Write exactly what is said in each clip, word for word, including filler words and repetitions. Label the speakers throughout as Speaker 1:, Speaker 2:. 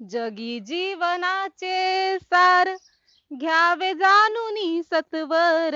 Speaker 1: जगी जीवनाचे सार घ्यावे जाणूनी सत्वर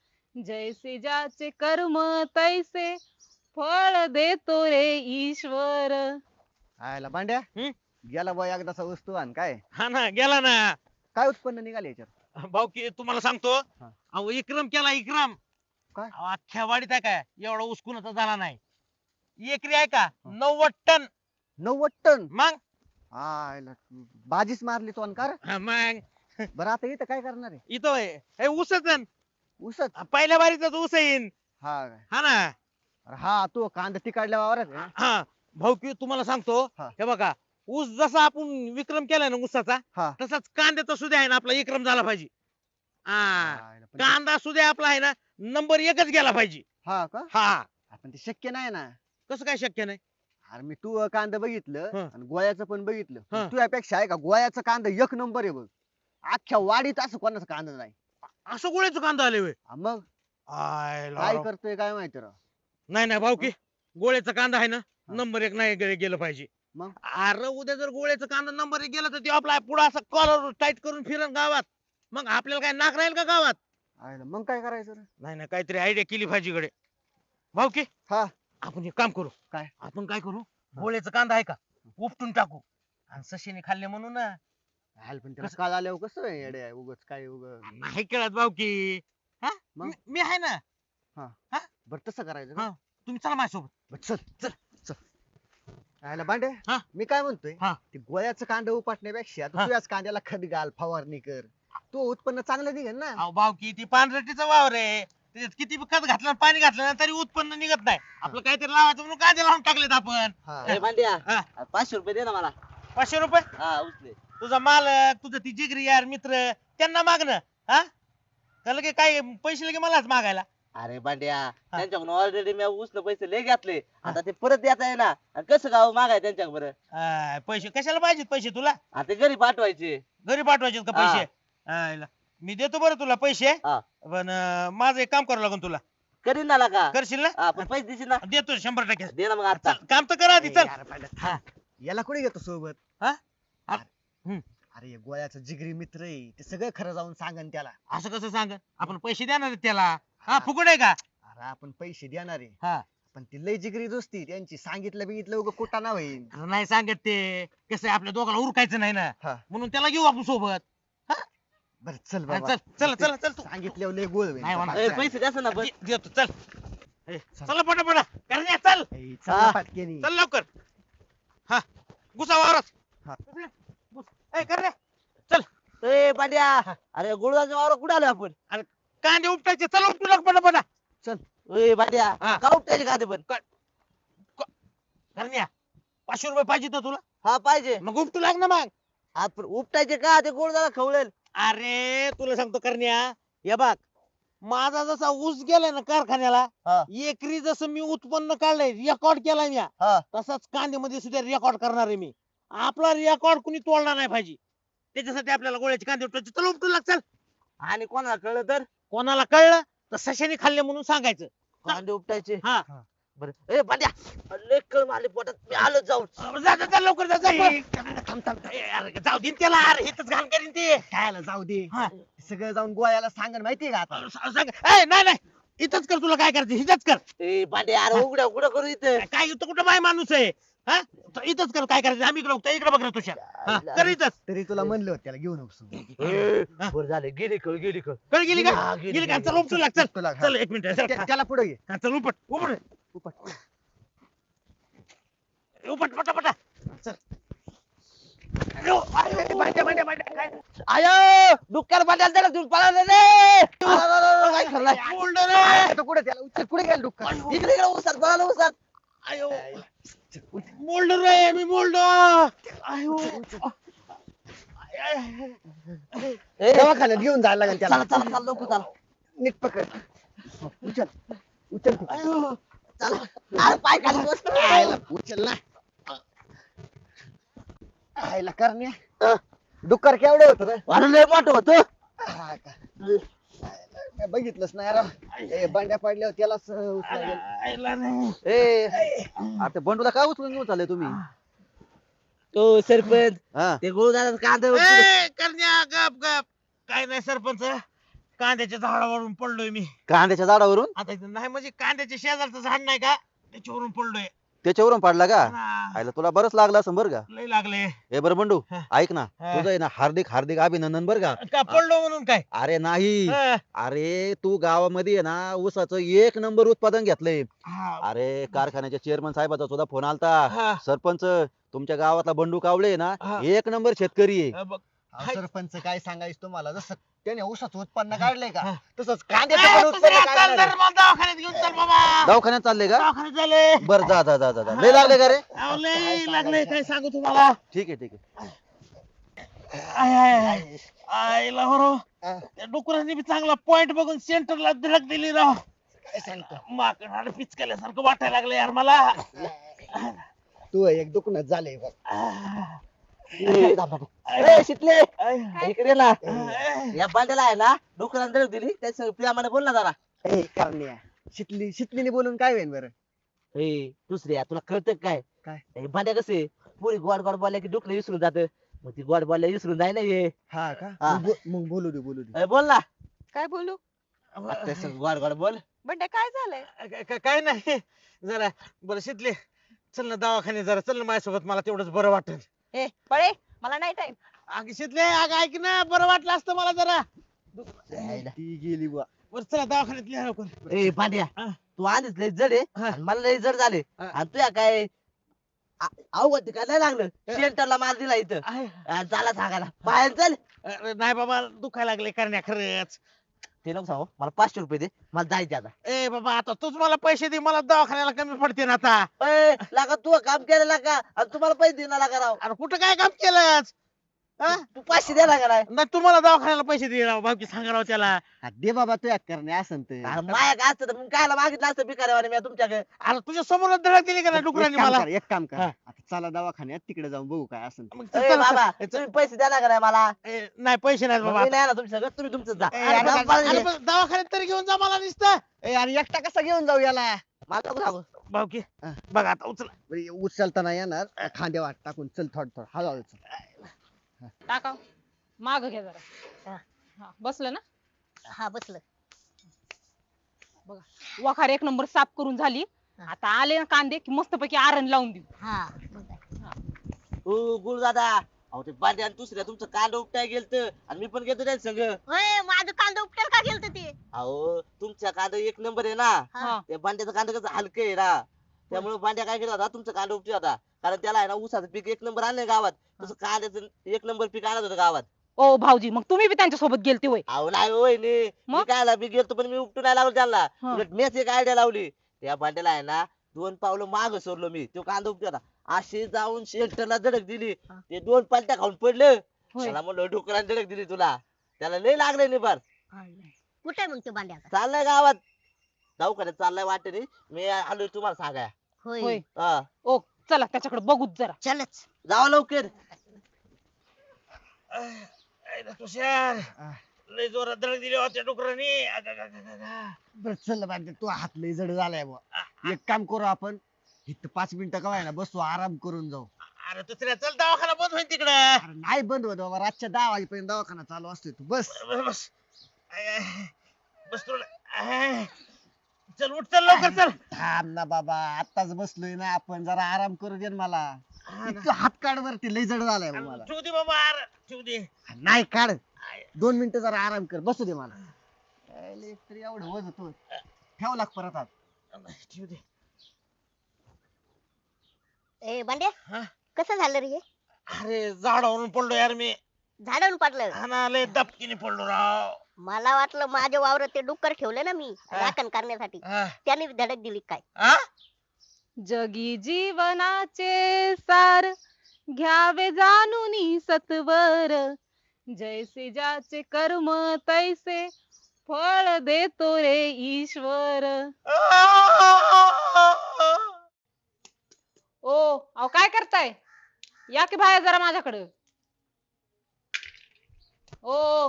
Speaker 1: जैसे ज्याचे कर्म तैसे फळ देतो रे ईश्वर.
Speaker 2: आयला भांड्या
Speaker 3: हं?
Speaker 2: गेला बा एकदाचा वस्तू आण काय
Speaker 3: हा ना गेला ना.
Speaker 2: काय उत्पन्न निघाले याच्यात?
Speaker 3: भाऊ की तुम्हाला सांगतो,
Speaker 2: हा.
Speaker 3: अहो इक्रम केला इक्रम.
Speaker 2: काय?
Speaker 3: अहो, अख्ख्या वाडीत आहे काय एवढा उसकुनाचा झाला नाही. एकरी आहे का नव्वद टन.
Speaker 2: नव्वद टन.
Speaker 3: मग
Speaker 2: आयला बाजीच मारली तो अनकार.
Speaker 3: हा, मग
Speaker 2: बरं आता इथं काय करणार आहे?
Speaker 3: इथं होय. हे ऊसच आहे.
Speaker 2: उसत.
Speaker 3: पहिल्या बारीचाच ऊस येईन.
Speaker 2: हा काय?
Speaker 3: हा ना.
Speaker 2: अरे हा तो कांदा तिकडल्या वावरात आहे ना?
Speaker 3: हा भाऊ की तुम्हाला सांगतो,
Speaker 2: हा.
Speaker 3: हे बघा ऊस जसा आपण विक्रम केलाय ना ऊसाचा,
Speaker 2: हा.
Speaker 3: तसाच कांद्याचा सुद्धा आहे ना आपला विक्रम झाला पाहिजे. हा
Speaker 2: आयला, पण ते-
Speaker 3: कांदा सुद्धा आपला आहे ना नंबर एकच गेला पाहिजे.
Speaker 2: हा का?
Speaker 3: हा
Speaker 2: आपण ते शक्य नाही ना.
Speaker 3: कसं काय शक्य नाही?
Speaker 2: अरे मी तू कांदा बघितलं
Speaker 3: हं.
Speaker 2: आणि गोळ्याचं पण बघितलं.
Speaker 3: हं.
Speaker 2: तुझ्यापेक्षा आहे का गोळ्याचा कांदा एक नंबर आहे बघ. अख्ख्या वाडीत असं कोणाचा कांदा नाही.
Speaker 3: असं गोळ्याचं कांदा आले होय.
Speaker 2: हा मग
Speaker 3: आय
Speaker 2: काय
Speaker 3: लाव.
Speaker 2: करतोय काय माहिती राव.
Speaker 3: नाही नाही भाऊ की गोळ्याचा कांदा आहे ना
Speaker 2: हा.
Speaker 3: नंबर एक नाही गे- गेलं पाहिजे.
Speaker 2: मग?
Speaker 3: अरे उद्या जर गोळ्याचा कांदा नंबर एक गेला तर ते आपला पुढे असं कॉलर टाईट करून फिरण गावात. मग आपल्याला काय नाक राहील का गावात?
Speaker 2: आयला मग काय करायचं रे?
Speaker 3: नाही नाही काहीतरी आयडिया केली पाहिजे गडे. भाऊ की
Speaker 2: हा.
Speaker 3: आपण एक काम करू.
Speaker 2: काय?
Speaker 3: आपण काय करू, गोळ्याचा कांदा आहे का उपटून टाकू आणि सशीने खाल्ले म्हणून ना.
Speaker 2: आयला पण त्याला
Speaker 3: कसं?
Speaker 2: काल आल्यावर कसं आहे येडे उगच काय उग.
Speaker 3: नाही कळत भाऊ की. हा
Speaker 2: मग?
Speaker 3: मी- मी आहे ना.
Speaker 2: बरं तसं करायचं
Speaker 3: हा.
Speaker 2: का?
Speaker 3: तुम्ही चला माझ्यासोबत.
Speaker 2: बरं, चल चल चल. आयला भांडे
Speaker 3: हा.
Speaker 2: मी काय म्हणतोय
Speaker 3: हा.
Speaker 2: ते गोळ्याचं कांदा उपटण्यापेक्षा तू
Speaker 3: हा.
Speaker 2: तुझ्याच कांद्याला खत घाल फवारणी कर. तो उत्पन्न चांगलं निघेल ना.
Speaker 3: अहो भाऊ की ती पानरटीचा वावर आहे, त्याच्यात किती बी खत घातलं आणि पाणी घातलं ना तरी उत्पन्न निघत नाही. आपलं काहीतरी लावायचं म्हणून कांदे लावून टाकलेत आपण.
Speaker 2: हा.
Speaker 4: ए भांड्या
Speaker 3: हा.
Speaker 4: पाचशे रुपये दे ना मला.
Speaker 3: पाचशे रुपये
Speaker 4: हा उचले.
Speaker 3: तुझा मालक तुझं ती जिगरी यार मित्र त्यांना मागणं. हा का लगे काय पैसे लगे मलाच मागायला?
Speaker 4: अरे भांड्या त्यांच्याकडून ऑलरेडी मी उसने पैसे लय घेतले. आता ते परत देता आहे ना. आणि कसं गाव मागाय त्यांच्याकडे बरं.
Speaker 3: आय, पैसे कशाला पाहिजेत पैसे तुला?
Speaker 4: आता ते घरी पाठवायचे.
Speaker 3: घरी पाठवायचे का
Speaker 4: हा.
Speaker 3: पैसे? आयला, मी देतो बरं तुला पैसे.
Speaker 4: हा.
Speaker 3: पण अं, माझं एक काम करावं लागेल तुला.
Speaker 4: करीन ना का.
Speaker 3: करशील ना?
Speaker 4: हा पण पैसे देशील ना.
Speaker 3: देतो शंभर टक्के.
Speaker 4: दे ना मग आता.
Speaker 3: चल, काम तर कर आधी
Speaker 2: ए,
Speaker 3: चल.
Speaker 2: यार भांड्या, थांब. याला कुठे घेतो सोबत?
Speaker 3: हा? अरे, हम्म.
Speaker 2: अरे हे गोळ्याचं जिगरी मित्र आहे ते सगळं खरं जाऊन सांगन त्याला.
Speaker 3: असं कसं सांग, आपण पैसे देणार आहेत त्याला. हा फुकट आहे का?
Speaker 2: अरे आपण पैसे देणार आहे
Speaker 3: हा
Speaker 2: पण ती लय जिगरी दोस्ती त्यांची सांगितलं बिगितलं उगा कुठं ना होईल.
Speaker 3: अरे नाही सांगत ते, कसं आहे, आपल्या दोघाला उरकायचं नाही ना,
Speaker 2: हा.
Speaker 3: म्हणून त्याला घेऊ आपण सोबत.
Speaker 2: बरं चल
Speaker 3: हा,
Speaker 2: बाबा.
Speaker 3: चल चल चल चल तू.
Speaker 2: सांगितल्यावर लय गोळ होईल.
Speaker 3: नाही होणार.
Speaker 4: ए, पैसे द्या ना पण.
Speaker 3: दे- देतो चल. ए, चला पटापटा करण्या चल.
Speaker 2: ए, चल ना पाटकेनी.
Speaker 3: चल लवकर. हा घुसा वावरात.
Speaker 2: हा.
Speaker 3: घुस. ए करण्या चल.
Speaker 4: ए भांड्या अरे गुळदाच्या वावर कुठे आलो आपण.
Speaker 3: कांदे उपटायचे, चल उपटू लाग पटापटा.
Speaker 4: ए भांड्या
Speaker 3: हा.
Speaker 4: का उपटायचे का ते पण.
Speaker 3: करण्या पाचशे रुपये पाहिजे ना तुला?
Speaker 4: हा पाहिजे.
Speaker 3: मग उपटू लाग ना मग.
Speaker 4: आपण उपटायचे का ते गुळदाला खवळेल.
Speaker 3: अरे तुला सांगतो करण्या, हे बघ माझा जसा ऊस गेलाय ना कारखान्याला,
Speaker 4: हा.
Speaker 3: एकरी जसं मी उत्पन्न काढलंय रेकॉर्ड केलाय मी,
Speaker 4: हा.
Speaker 3: तसाच कांद्यामध्ये सुद्धा रेकॉर्ड करणार आहे मी. आपला रेकॉर्ड कुणी तोडणार नाही पाहिजे. त्याच्यासाठी आपल्याला गोळ्याचे कांदे उपटायचे. चल उपटू लाग चल.
Speaker 4: आणि कोणाला कळलं तर
Speaker 3: कोणाला कळलं तर सशाने खाल्ले म्हणून सांगायचं.
Speaker 4: कांदे उपटायचे.
Speaker 3: हा
Speaker 4: बरं ए भांड्या लय कळ मारली पोटात मी आलो जाऊन.
Speaker 3: अरे जा जा, जा लवकर जा, जा
Speaker 2: ए,
Speaker 3: पळ.
Speaker 2: थांब थांब.
Speaker 3: ए, अरे जाऊ दे ना त्याला, अरे हेच घाण करीन ते.
Speaker 2: खायला जाऊ दे.
Speaker 3: हा.
Speaker 2: सगळं जाऊन गोळ्याला सांगन माहितीये का आता.
Speaker 3: स- सांग ए, नाही नाही इथंच कर, तुला काय करायचं इथंच कर.
Speaker 4: ए भांड्या अरे उघड्या उघड्या करू इथे.
Speaker 3: काय इथं कुठं बाय माणूस आहे? हा तर इथंच कर, काय करायचं आम्ही इकडे बघतो, इकडे बघ रे तुझ्या. हा, कर इथंच.
Speaker 2: तरी तुला म्हणलं होतं त्याला घेऊन नकोस.
Speaker 3: हा.
Speaker 4: बरं झाले गेली कळ गेली कळ.
Speaker 3: कळ गेली का?
Speaker 4: हा, गेली,
Speaker 3: गेली का?
Speaker 4: गेली.
Speaker 3: चल उपटू लाग चल.
Speaker 2: उपटू लाग, हा.
Speaker 3: चल एक मिनिट चल.
Speaker 2: त्या- त्याला पुढे घे.
Speaker 3: हा, चल उपट उपट
Speaker 2: उपट.
Speaker 3: उपट पटापटा चल.
Speaker 4: आयो डुक्कर भांड्याला त्याला घेऊन पळाला रे. अरे, अरे, अरे, काय खरलाय.
Speaker 3: बोलडं रे.
Speaker 2: आता कुठे त्याला उचल कुठे गेला डुक्कर?
Speaker 4: इकडे इकडे उसात पळाला उसात.
Speaker 3: आयो मोल्ड रे, मी मोल्ड. आयो
Speaker 4: ए,
Speaker 2: दवाखान्यात घेऊन जायला लागेल
Speaker 4: चला
Speaker 2: त्याला.
Speaker 4: चला चला लवकर चला.
Speaker 2: नीट पकड. उचल उचल ते.
Speaker 3: आयो
Speaker 4: चला अरे पाय खाली बस.
Speaker 2: आयला उचल ना. आयला करण्या डुक्कर केवढं होत रे?
Speaker 4: अरे लय मोठं होतं.
Speaker 2: हा का? काय बघितलंच नाही राव. ए बंड्या पडल्यावर त्यालाच उचला गेलं.
Speaker 3: आयला नाही.
Speaker 4: ए आता बंडूला काय उचलून घेऊन चालले तुम्ही. तो सरपंच
Speaker 2: हा
Speaker 4: ते गुळदादा कांदा
Speaker 3: ए, करण्या गप गप काय नाही सरपंच कांद्याच्या झाडावरून पडलोय मी
Speaker 2: कांद्याच्या झाडावरून
Speaker 3: आता इथं नाही म्हणजे कांद्याच्या शेजारचं झाड नाही का त्याच्यावरून पडलोय
Speaker 2: त्याच्यावरून पडला का
Speaker 3: हा,
Speaker 2: आयला तुला बरंच लागलं असं बरं का
Speaker 3: लय लागले
Speaker 2: हे बरं बंडू
Speaker 3: हा.
Speaker 2: ऐक ना
Speaker 3: हा.
Speaker 2: तुझं आहे ना हार्दिक हार्दिक अभिनंदन बरं का
Speaker 3: का पडलो म्हणून काय
Speaker 2: अरे नाही
Speaker 3: हा,
Speaker 2: अरे तू गावामध्ये आहे ना ऊसाचं एक नंबर उत्पादन घेतलंय
Speaker 3: हा,
Speaker 2: अरे कारखान्याच्या चेअरमन साहेबाचा सुद्धा फोन आलता
Speaker 3: हा,
Speaker 2: सरपंच तुमच्या गावातला बंडू कावळे आहे ना
Speaker 3: हा.
Speaker 2: एक नंबर शेतकरी आहे
Speaker 3: हा, बघ.
Speaker 2: अहो, सरपंच काय सांगायचं तुम्हाला जसं त्याने ऊसाचं उत्पन्न काढलंय
Speaker 3: हा.
Speaker 2: का तसंच
Speaker 3: ए,
Speaker 2: कांद्याचं पण
Speaker 3: दुसऱ्या
Speaker 2: उत्पन्न
Speaker 3: चल
Speaker 2: काढणार
Speaker 3: जरा
Speaker 2: आहे.
Speaker 3: मला दवाखान्यात घेऊन चल बाबा
Speaker 2: दवाखान्यात चालले का
Speaker 3: दवाखान्यात झाले
Speaker 2: बर जा जा जा जा जा. लय लागले का रे
Speaker 3: अहो, लय लागले काय सांगू तुम्हाला
Speaker 2: ठीक आहे ठीक आहे
Speaker 3: आय, आय, आय. आईला हो राव.
Speaker 2: हा.
Speaker 3: त्या डुकरांनी बी चांगला पॉइंट बघून सेंटरला धडक दिली राव
Speaker 2: काय सांगतो
Speaker 3: माकडाला पिचकल्यासारखं वाटायला लागलं यार मला
Speaker 2: तू एक दुखणं झालंय बघ
Speaker 4: ए, शितले
Speaker 3: आय,
Speaker 4: इकडे ना
Speaker 3: आय.
Speaker 4: या बांड्याला आहे ना डुकरांनी धडक दिली त्याच्या प्रेमाने बोल ना जरा
Speaker 2: ए, करण्या शितली शितलीने बोलून काय होईल बरं
Speaker 4: ए दुसऱ्या तुला कळतं काय
Speaker 2: काय?
Speaker 4: हे भांड्या कसे पुरी गोड गोड बोलल्या की डुकलं विसरून जात मग ती गोड बोलल्या विसरून जाय ना हे
Speaker 2: हा का
Speaker 4: हा.
Speaker 2: मग बो- मग बोलू दे बोलू दे
Speaker 4: ए, बोल ना
Speaker 1: काय बोलू
Speaker 4: आता तसं गोड गोड बोल
Speaker 1: बंड्या काय झालंय
Speaker 3: काय- काय- काय नाही जरा बरं शितले चल ना दवाखान्यात जरा चल ना माझ्यासोबत मला तेवढंच बरं वाटेल
Speaker 1: ए पळे मला नाही टाइम
Speaker 3: अग शितले अग ऐक ना बरं वाटलं असतं मला जरा
Speaker 2: ती गेली बुवा
Speaker 3: बरं चला दवाखान्यात लिहा लवकर
Speaker 4: ए भांड्या
Speaker 3: हा.
Speaker 4: तू आधीच लय जड आहे
Speaker 3: हा.
Speaker 4: आणि मला लय जड झाले
Speaker 3: हा.
Speaker 4: आणि तुया काय आ- अवघड काय नाही लागलं सेंटरला मार दिला इथं
Speaker 3: आहे.
Speaker 4: आ, झाला सांगायला बाहेर चल
Speaker 3: अरे नाही बाबा दुखायला लागले करण्या खरंच
Speaker 4: ते नको सांगू मला पाचशे रुपये दे मला जायचे आता
Speaker 3: ए बाबा आता तूच मला पैसे दे मला दवाखान्याला कमी पडते ना आता
Speaker 4: ए, लागा तू काम केलेला का आणि तुम्हाला पैसे देणार लागा राव
Speaker 3: अरे कुठं काय काम केलंच हा?
Speaker 4: तू पाचशे द्या लागा राव
Speaker 3: नाही तुम्हाला दवाखान्याला पैसे दे राव भाऊकी सांगा राव त्याला
Speaker 2: हा, दे बाबा तू एक करणे असं ते
Speaker 4: अरे माया काय असतं तर मग कायला मागितलं असतं भिकाऱ्यावाने मी तुमच्याकडे
Speaker 3: अरे तुझ्या समोर धडक दिली का नाही डुकरांनी
Speaker 2: एक काम
Speaker 3: मला
Speaker 2: कर, एक काम कर
Speaker 3: हा.
Speaker 2: आता चला दवाखान्यात तिकडे जाऊन बघू काय असं
Speaker 3: मग
Speaker 4: ए,
Speaker 3: चल,
Speaker 4: बाबा
Speaker 3: चल, चल.
Speaker 4: तुम्ही पैसे द्या लागा मला
Speaker 3: ए, नाही पैसे नाहीत बाबा
Speaker 4: मी नाही ना तुमच्या सगळं तुम्ही तुमचं जा
Speaker 3: ए,
Speaker 4: अरे,
Speaker 3: अरे,
Speaker 4: बाबा,
Speaker 3: अरे, पण दवाखान्यात तरी घेऊन जा मला नुसतं
Speaker 2: ए आणि एकटा कसा घेऊन जाऊ याला
Speaker 4: मला नको सांगू
Speaker 3: भाऊकी
Speaker 2: हा.
Speaker 3: बघा आता उचला
Speaker 2: बरं, उचलता नाही येणार खांद्या वाट टाकून चल थोड थोड हळूहळू चल.
Speaker 1: टाका माग घ्या जरा हा बसलं ना
Speaker 5: हा बसलं
Speaker 1: बघा वखार एक नंबर साफ करून झाली आता आले ना कांदे की मस्तपैकी आरण लावून देऊ
Speaker 5: हा मग काय.
Speaker 4: ओ गुळ दादा अहो ते बांधे आणि दुसऱ्या तुमचं कांड उपटाय गेलत आणि मी पण घेतो त्या संग
Speaker 5: होय माझं कांदा उपटेल का गेलत ते
Speaker 4: अहो तुमच्या कांदा एक नंबर आहे ना
Speaker 1: हा
Speaker 4: त्या बांड्याचं कांदा कसं हलकं आहे ना त्यामुळे बांड्या काय केला होता तुमचं कांदा उपटी होता कारण त्याला आहे ना ऊसाचं पीक एक नंबर आणलंय गावात तसं कांद्याचं एक नंबर पीक आणत होतं गावात
Speaker 1: ओ भाऊजी मग तुम्ही बी त्यांच्या सोबत गेलते होय
Speaker 4: अहो नाही होय नी मी
Speaker 1: मग?
Speaker 4: काय मी गेलतो पण मी उपटून नाही लावलं त्यांना
Speaker 1: हा.
Speaker 4: उलट मीच एक आयडिया लावली त्या बांड्याला आहे ना दोन पावलं माग सोडलो मी तो कांदा उपटी होता अशी जाऊन शेल्टरला धडक दिली
Speaker 5: हा.
Speaker 4: ते दोन पालट्या खाऊन पडलं
Speaker 1: होय.
Speaker 4: त्याला म्हणलं डुकराने धडक दिली तुला त्याला लय लागले नाही फार
Speaker 5: कुठे आहे मग ते बांड्याचा
Speaker 4: चाललाय गावात दवाखान्यात चाललाय वाटेने मी आलोय तुम्हाला सांगाय
Speaker 1: होय
Speaker 5: होय
Speaker 4: हा
Speaker 1: ओ चला त्याच्याकडे बघूच जरा
Speaker 5: चलच
Speaker 4: जावा लवकर
Speaker 3: आईला तुषार लय जोरात धडक दिली होत्या डुकरांनी अग, अग, अग, अग, अग.
Speaker 2: बरं चल बांधे तू हात लय जड झालाय बुवा एक काम करू आपण इथं पाच मिनिटं का ना बसू आराम करून जाऊ
Speaker 3: अरे दुसऱ्या चल दवाखाना बंद होईल तिकडं
Speaker 2: अरे नाही बंद होत बाबा रातच्या दहा वाजेपर्यंत दवाखाना चालू असतोय तू बस
Speaker 3: बस बस आय, आय. बस तुला आय. चल उठ चल लवकर चल
Speaker 2: थांब ना बाबा आताच बसलोय ना आपण जरा आराम करू दे ना मला
Speaker 3: हा ना.
Speaker 2: इतकं हात काढ वरती लय जड झालाय बुवा मला
Speaker 3: ठेवू दे बाबा अरे, ठेवू दे
Speaker 2: नाही काढ
Speaker 3: आय.
Speaker 2: दोन मिनिटं जरा आराम कर बसू दे मला यायला एक तरी एवढं वज होतो ठेव लाग परत हात
Speaker 3: ठेवू दे
Speaker 5: ए बांड्या
Speaker 3: हा?
Speaker 5: कसं झालं रे हे?
Speaker 3: अरे झाडावरून पडलो यार मी
Speaker 5: झाडावरून पडलं
Speaker 3: हा ना लय दबकीने पडलो राव
Speaker 5: मला वाटलं माझ्या वावरात ते डुक्कर ठेवले ना मी
Speaker 3: हा.
Speaker 5: राखण करण्यासाठी
Speaker 3: हा?
Speaker 5: त्याने धडक दिली काय
Speaker 3: हा?
Speaker 1: जगी जीवनाचे सार घ्यावे जाणून सत्वर जैसे ज्याचे कर्म तैसे फळ देतो रे ईश्वर ओ अहो काय करताय या की बाहेर जरा माझ्याकडे ओ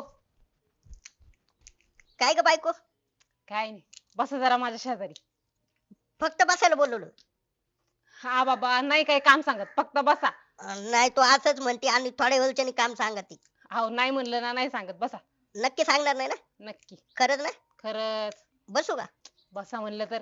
Speaker 5: काय ग बायको
Speaker 1: काय नाही बसा जरा माझ्या शेजारी
Speaker 5: फक्त बसायला बोलवलं
Speaker 1: हा बाबा नाही काही काम सांगत फक्त बसा
Speaker 5: अं, नाही तो असंच म्हणते आणि थोड्या वेळच्यानी काम सांगते.
Speaker 1: अहो नाही म्हणलं ना नाही सांगत. बसा.
Speaker 5: नक्की सांगणार नाही ना?
Speaker 1: नक्की.
Speaker 5: खरंच ना?
Speaker 1: खरंच.
Speaker 5: बसू का?
Speaker 1: बसा म्हणलं तर.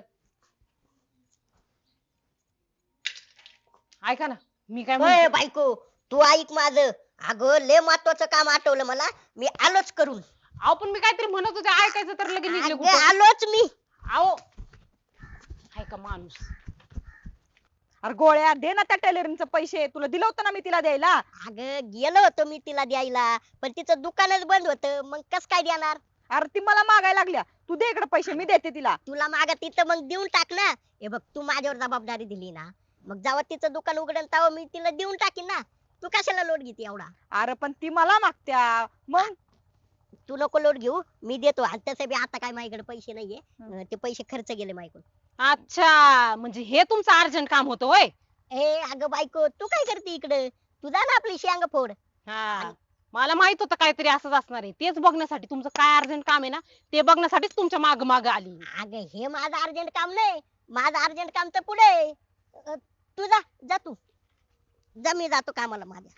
Speaker 1: ऐका ना मी काय
Speaker 5: ओय
Speaker 1: म्हणते.
Speaker 5: बायको, तू ऐक माझं. अगं लय महत्वाचं काम आठवलं मला. मी आलोच करून.
Speaker 1: अहो पण मी काहीतरी म्हणत होते ऐकायचं तर लगेच निघले
Speaker 5: अगं
Speaker 1: कुठं.
Speaker 5: आलोच मी.
Speaker 1: अहो ऐका माणूस.
Speaker 6: अरे गोळ्या दे ना त्या टेलरिंगचे पैसे, तुला दिलं होतं ना मी तिला द्यायला.
Speaker 5: अगं गेलो होतो मी तिला द्यायला, पण तिचं दुकानच बंद होतं. मग कस काय देणार?
Speaker 6: अरे ती मला मागायला लागल्या, तू दे इकडे पैसे, मी देते तिला.
Speaker 5: तुला मागा तिथं मग देऊन टाक ना. हे बघ तू माझ्यावर जबाबदारी दिली ना, मग जेव्हा तिचं दुकान उघडन तेव्हा मी तिला देऊन टाकीन ना. तू कशाला लोट घेते एवढा?
Speaker 6: अरे पण ती मला मागत्या मग.
Speaker 5: तू नको लोट घेऊ, मी देतो. आणि तसं बी आता काय माझ्याकडे पैसे नाहीये. अं, ते पैसे खर्च गेले माझ्याकडून.
Speaker 1: अच्छा म्हणजे हे तुमचं अर्जंट काम होतं होय.
Speaker 5: ए अगं बायको, तू काय करते इकडे? तू जा ना आपली शेंग फोड.
Speaker 1: हा मला माहित होतं काहीतरी असंच असणार आहे. तेच बघण्यासाठी तुमचं काय अर्जंट काम आहे ना ते बघण्यासाठीच तुमच्या माग माग आली.
Speaker 5: अगं हे माझं अर्जंट काम नाही. माझं अर्जंट काम तर पुढे आहे. अं, तू जा जा तू जा, मी जातो कामाला माझ्या.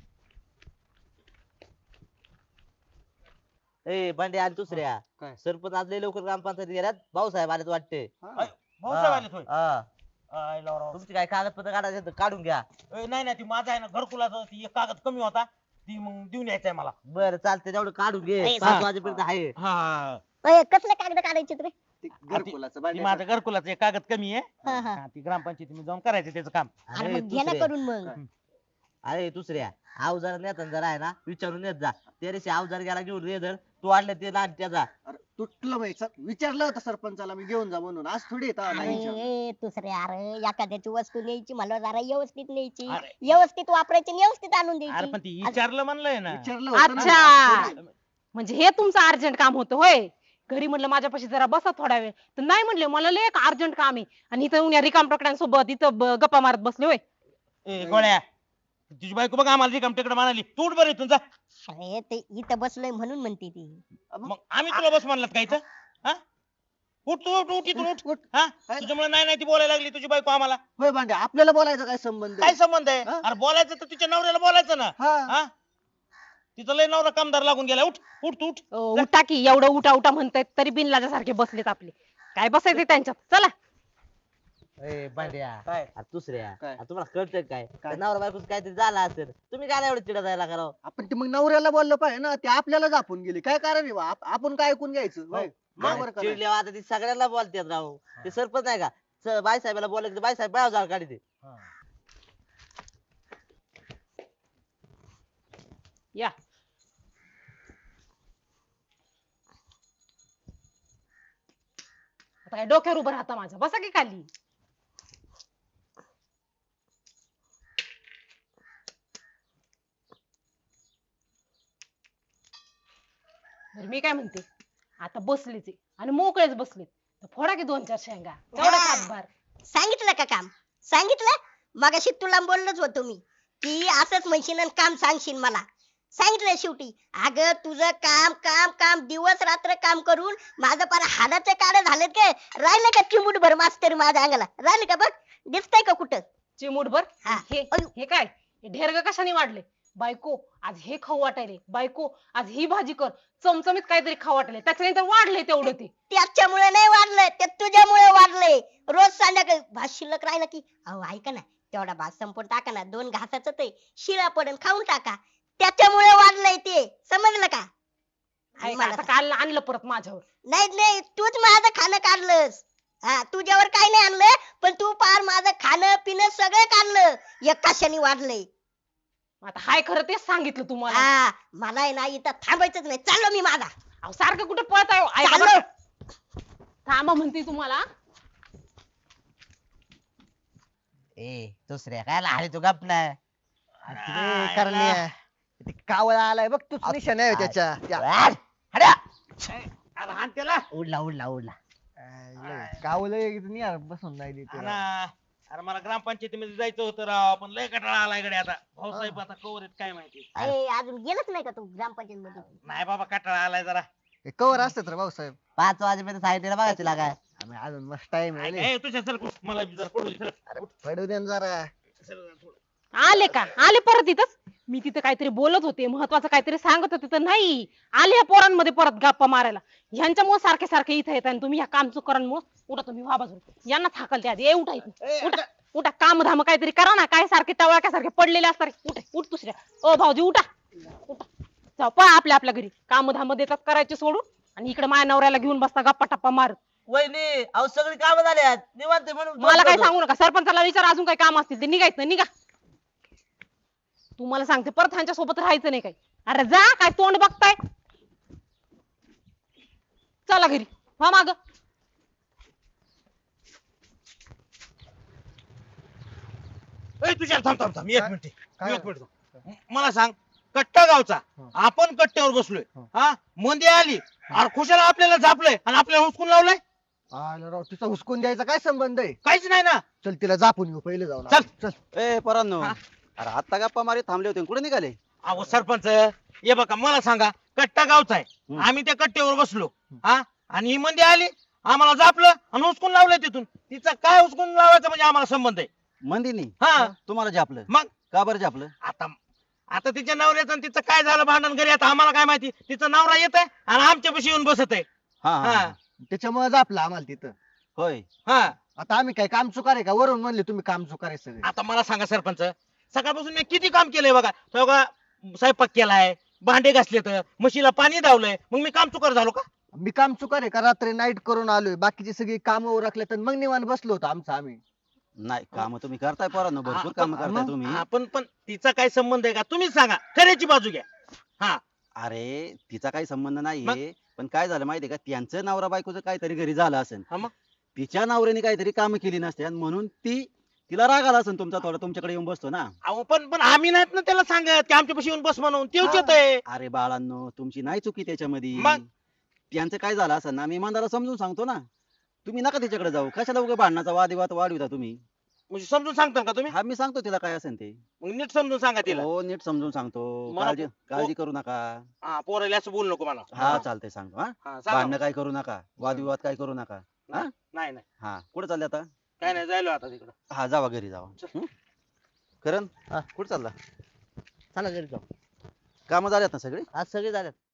Speaker 4: ए बंडे आणि दुसऱ्या
Speaker 2: काय?
Speaker 4: सरपंच आज लय लवकर ग्रामपंचायत गेल्यात. भाऊसाहेब आलेत वाटते.
Speaker 3: भाऊसाहेब आले थोय.
Speaker 4: हा.
Speaker 3: आय लावराव.
Speaker 4: तुमची काय कागदपत्र काढायचे आहेत तर काढून घ्या.
Speaker 3: ए, नाही नाही ती माझा आहे ना घरकुलाचा ती एक कागद कमी होता, ती मग देऊन यायचंय मला.
Speaker 4: बरं चालतंय तेवढं काढून घे.
Speaker 5: ए,
Speaker 4: पाच
Speaker 3: हा.
Speaker 4: वाजेपर्यंत आहे.
Speaker 3: हा
Speaker 5: अय, कसले कागद काढायचे रे?
Speaker 2: ते घरकुलाचं
Speaker 3: ती
Speaker 2: भांड्याचं.
Speaker 3: माझ्या घरकुलाचं एक कागद कमी आहे.
Speaker 5: हा, हा.
Speaker 3: हा, ती ग्रामपंचायतीमध्ये जाऊन करायचं त्याचं काम.
Speaker 5: अरे
Speaker 4: अरे
Speaker 5: मग घे ना
Speaker 4: दुसऱ्या
Speaker 5: करून मग.
Speaker 4: अरे दुसऱ्या अवजार नेता जरा आहे ना विचारून येत जा. त्या दिवशी अवजार गेला घेऊन ये धर तू आणलं ते लहान त्याचा.
Speaker 2: अरे तुटलं बाई सर, विचारलं होतं सरपंचाला मी घेऊन जा म्हणून, आज थोडी येतं
Speaker 5: अरे
Speaker 2: नाही विचारलं.
Speaker 5: ए, दुसरे अरे एखाद्याची वस्तू न्यायची मला जरा व्यवस्थित न्यायची,
Speaker 3: अरे.
Speaker 5: व्यवस्थित वापरायची आणि व्यवस्थित आणून
Speaker 3: अरे
Speaker 5: द्यायची.
Speaker 3: पण ती विचारलं म्हणलंय ना.
Speaker 2: विचारलं होतं ना.
Speaker 1: अच्छा म्हणजे हे तुमचं अर्जंट काम होतं होय. घरी म्हणलं माझ्यापाशी जरा बसा थोडा वेळ तर नाही म्हणले मला लय एक अर्जंट काम आहे आणि इथं उन्या रिकाम टोकड्यांसोबत इथं ब- गप्पा मारत बसले होय.
Speaker 3: ए गोळ्या, तुझी बायको बघ आम्हाला रिकाम तिकडे म्हणाली तू उठ बरं इथून जा.
Speaker 5: अरे ते इथं बसलोय म्हणून म्हणते ती.
Speaker 3: मग आम्ही तुला बस म्हणलात का इथं? हा? उठ तू उठ उठ इथून उठ.
Speaker 2: उठ.
Speaker 3: हा तुझ्यामुळे नाही नाही ती बोलायला लागली तुझी बायको आम्हाला.
Speaker 2: होय भांड्या, आपल्याला बोलायचं काय संबंध
Speaker 3: काय
Speaker 2: आहे?
Speaker 3: संबंध आहे?
Speaker 2: हा?
Speaker 3: अरे बोलायचं तर तिच्या नवऱ्याला बोलायचं ना.
Speaker 2: हा.
Speaker 3: हा तिचा लय नवरा कामदार लागून गेला. उठ उठ तू उठ.
Speaker 1: अ, उठा की एवढं उठा उठा म्हणतायत तरी बिनलाजा सारखे बसलेत आपले. काय बसायचे त्यांच्यात चला.
Speaker 4: ए बंड्या
Speaker 3: काय?
Speaker 4: अरे दुसऱ्या
Speaker 2: काय?
Speaker 4: अरे तुम्हाला कळतंय काय
Speaker 2: काय?
Speaker 4: त्या नवरा बायकोच काहीतरी झालं असेल तुम्ही काय एवढं चिडा जायला करावं.
Speaker 2: आपण ते मग नवऱ्याला बोललं पाहिजे ना, ते आपल्याला झापून गेले. काय कारण आहे बा? आप- आपण काय ऐकून घ्यायचं होय? बरोबर का नाही?
Speaker 4: चिडल्यावर आता ती सगळ्यांना बोलतात राव. ते सरपंच आहे का स- बाईसाहेबाला बोलले बाईसाहेब बाय जाळ काढते.
Speaker 1: या आता काय डोक्यावर उभं राहता माझ्या बसा की खाली. बरं मी काय म्हणते आता बसलेच आहे आणि मोकळेच बसलेत तर फोडा की दोन चार शेंगा तेवढा हातभार.
Speaker 5: सांगितलं का काम? सांगितलं मगाशी तुला बोललोच होतो मी की असंच म्हणशील आणि काम सांगशील मला. सांगितलं शेवटी. अगं तुझं काम काम काम दिवस रात्र काम करून माझं पार हाडाचे काढे झालेत काय? राहिलं का चिमूटभर मास्तर माझ्या अंगाला? राहिलं का बघ? दिसतंय का कुठं?
Speaker 1: चिमूटभर
Speaker 5: हा.
Speaker 1: हे
Speaker 5: अयो.
Speaker 1: हे काय हे ढेरग कशाने वाढले? बायको आज हे खाऊ वाटायले, बायको आज ही भाजी कर, चमचमीत काहीतरी खाऊ वाटायले त्याच्यानंतर वाढले तेवढं ते.
Speaker 5: त्याच्यामुळे नाही वाढलंय, ते तुझ्यामुळे वाढलंय. रोज संध्याकाळी भात शिल्लक राहिला की अहो ऐका ना तेवढा भात संपून टाका ना, दोन घासाचं ते शिळा पडून खाऊन टाका. त्याच्यामुळे वाढलंय ते, समजलं का? आणि
Speaker 1: आहे का?
Speaker 5: मला
Speaker 1: आता
Speaker 5: सांग.
Speaker 1: काल आणलं परत माझ्यावर.
Speaker 5: नाही नाही तूच माझं खाणं काढलंस. हा तुझ्यावर काही नाही आणलं, पण तू पार माझं खाणं पिणं सगळं काढलं. एक कशाने वाढलंय?
Speaker 1: आता हाय खरं तेच सांगितलं तुम्हाला.
Speaker 5: हा मला आहे ना इथं थांबायचंच नाही, चाललो मी माझा.
Speaker 1: अहो, सारखं कुठे पळताय हो? ऐका
Speaker 5: चाललो.
Speaker 1: बरं. थांबा म्हणते तुम्हाला.
Speaker 4: ए दुसऱ्या काय लाले तू गप नाही.
Speaker 2: अरे करण्या, ते कावळा आलाय बघ, तूच निशाण आहे त्याच्या. त्या-
Speaker 3: अरे हाण त्याला.
Speaker 4: उडला उडला उडला.
Speaker 2: आय, कावळं बसून नाही
Speaker 3: हा
Speaker 2: देते.
Speaker 3: ना. अरे मला ग्रामपंचायतीमध्ये जायचं होतं राव, पण लय कटाळा आला इकडे आता. भाऊसाहेब आता कवर आहेत काय माहिती.
Speaker 5: अरे अजून गेलच नाही का तू ग्रामपंचायत मध्ये?
Speaker 3: नाही बाबा कटाळा आलाय जरा.
Speaker 2: हे कवर असतात रे भाऊसाहेब.
Speaker 4: पाच वाजेपर्यंत सांगितलेलं बघा तिला काय.
Speaker 2: आम्ही अजून मस्त टाइम आहे.
Speaker 3: ए, तुझ्या सर मला बी जरा पडू दे, सर.
Speaker 2: अरे पडू दे ना जरा.
Speaker 3: सर, थोडं.
Speaker 1: आले का आले परत इथंच मी तिथं काहीतरी बोलत होते महत्वाचं काहीतरी सांगत होते तर नाही आले या पोरांमध्ये परत गप्पा मारायला ह्यांच्यामुळे सारखे सारखे इथं येत आणि तुम्ही ह्या काम चुकरांमुळे उठा तुम्ही व्हा बाजूला यांना थाकल आधी ए उठा इथून. उठा उठा काम धाम काहीतरी करा ना काय सारखे टवळ्यासारखे पडलेले असतात उठा उठ दुसऱ्या ओ भाऊजी उठा उठा जाऊ पळा आपल्या आपल्या घरी काम धाम देतात करायचे सोडून आणि इकडे माझ्या नवऱ्याला घेऊन बसता गप्पा टप्पा मारत
Speaker 4: वहिनी अहो सगळी कामं झाल्यात निवांत आहे म्हणून
Speaker 1: मला काय
Speaker 4: बसलो.
Speaker 1: सांगू नका सरपंचाला विचार अजून काही काम असतील ते निघायचं निघा तुम्हाला सांगते परत ह्यांच्या सोबत राहायचं नाही काही अरे जा काय तोंड बघताय चला घरी हा माग
Speaker 3: ए तुझ्या थांब थांब थांब एक
Speaker 2: काय?
Speaker 3: मिनिट
Speaker 2: काय?
Speaker 3: एक मिनिट मला सांग कट्टा गावचा आपण कट्ट्यावर बसलोय हा मंदी आली अरे खुशाला आपल्याला झापलंय आणि आपल्याला हुसकून लावलंय
Speaker 2: आलं राव तिचा हुसकून द्यायचा काय संबंध आहे
Speaker 3: काहीच नाही ना
Speaker 2: चल तिला जापून येऊ पहिले जाऊन
Speaker 3: चल.
Speaker 2: चल
Speaker 7: ए परांनो
Speaker 3: हा?
Speaker 7: अरे आत्ता गप्पा मारी थांबले होते कुठे निघाले
Speaker 3: अहो सरपंच हे बघा मला सांगा कट्टा गावचा आहे
Speaker 7: हम्म.
Speaker 3: आम्ही त्या कट्ट्यावर बसलो हा आणि ही मंदी आली आम्हाला झापलं आणि हुसकून लावलंय तिथून तिचा काय हुसकून लावायचा म्हणजे आम्हाला संबंध आहे
Speaker 7: मंदिनी
Speaker 3: हा
Speaker 7: तुम्हाला झापलं
Speaker 3: मग
Speaker 7: का बरं झापलं
Speaker 3: आता आता तिच्या नवऱ्याचं आणि तिचं काय झालं भांडण घरी आता आम्हाला काय माहिती तिचा नवरा येत आहे आणि आमच्यापाशी येऊन बसत आहे
Speaker 7: हा हा,
Speaker 3: हा.
Speaker 7: हा
Speaker 2: त्याच्यामुळे जापलं आम्हाला तिथं
Speaker 7: होय
Speaker 3: हा
Speaker 2: आता आम्ही काय काम चुकार आहे का वरून म्हणले तुम्ही काम चुकार आहे सगळे
Speaker 3: आता मला सांगा सरपंच सकाळपासून मी किती काम केलंय बघा तो बघा स्वयंपाक केलाय भांडे घासले तर म्हशीला पाणी धावलंय मग मी काम चुकार झालो का
Speaker 2: मी काम चुकार आहे का रात्री नाईट करून आलोय बाकीची सगळी कामं उरकले तर मग निवांत बसलो होतो आमचं आम्ही
Speaker 7: नाही काम तुम्ही करताय पोरांनो भरपूर काम करताय
Speaker 2: मग?
Speaker 7: तुम्ही
Speaker 3: आपण पण तिचा काय संबंध आहे का तुम्हीच सांगा खऱ्याची बाजू घ्या हा
Speaker 7: अरे तिचा काही संबंध
Speaker 3: मग?
Speaker 7: नाहीये पण काय झालं माहितीये का त्यांचं नवरा बायकोचं काहीतरी घरी झालं असेल
Speaker 3: हा मग?
Speaker 7: तिच्या नवऱ्याने काहीतरी काम केली नसते आणि म्हणून ती तिला राग आला असेल तुमचा थोडा तुमच्याकडे येऊन बसतो ना
Speaker 3: अहो पण पण आम्ही नाहीत ना त्याला सांगत की आमच्यापाशी येऊन बस म्हणून तेच
Speaker 7: हा.
Speaker 3: येत आहे
Speaker 7: अरे बाळांनो तुमची नाही चुकी त्याच्यामध्ये
Speaker 3: मग?
Speaker 7: त्यांचं काय झालं असेल ना मी इमानदारा समजून सांगतो ना तुम्ही नका तिच्याकडे जाऊ कशाला उगा भांडणाचा वादविवाद वाढविता तुम्ही
Speaker 3: म्हणजे समजून सांगता का तुम्ही
Speaker 7: हा मी सांगतो तिला काय असेल ते
Speaker 3: मग नीट समजून सांगा तिला
Speaker 7: हो नीट समजून सांगतो
Speaker 3: मला
Speaker 7: काळजी
Speaker 3: पो-
Speaker 7: काळजी करू नका
Speaker 3: हा पोराला असं बोलू नको मला
Speaker 7: हा चालतंय सांगतो हा
Speaker 3: हा, सांगा.
Speaker 7: भांडणं काय करू नका वादविवाद काय करू नका हा
Speaker 3: नाही नाही
Speaker 7: हा कुठे चालले आता
Speaker 3: काय नाही जायलो आता तिकडं
Speaker 7: हा जावा घरी जावा हं? करण
Speaker 4: हा.
Speaker 7: कुठे चालला
Speaker 4: चला घरी जाऊ
Speaker 7: कामं झाल्यात ना सगळे
Speaker 4: आज सगळे झाल्यात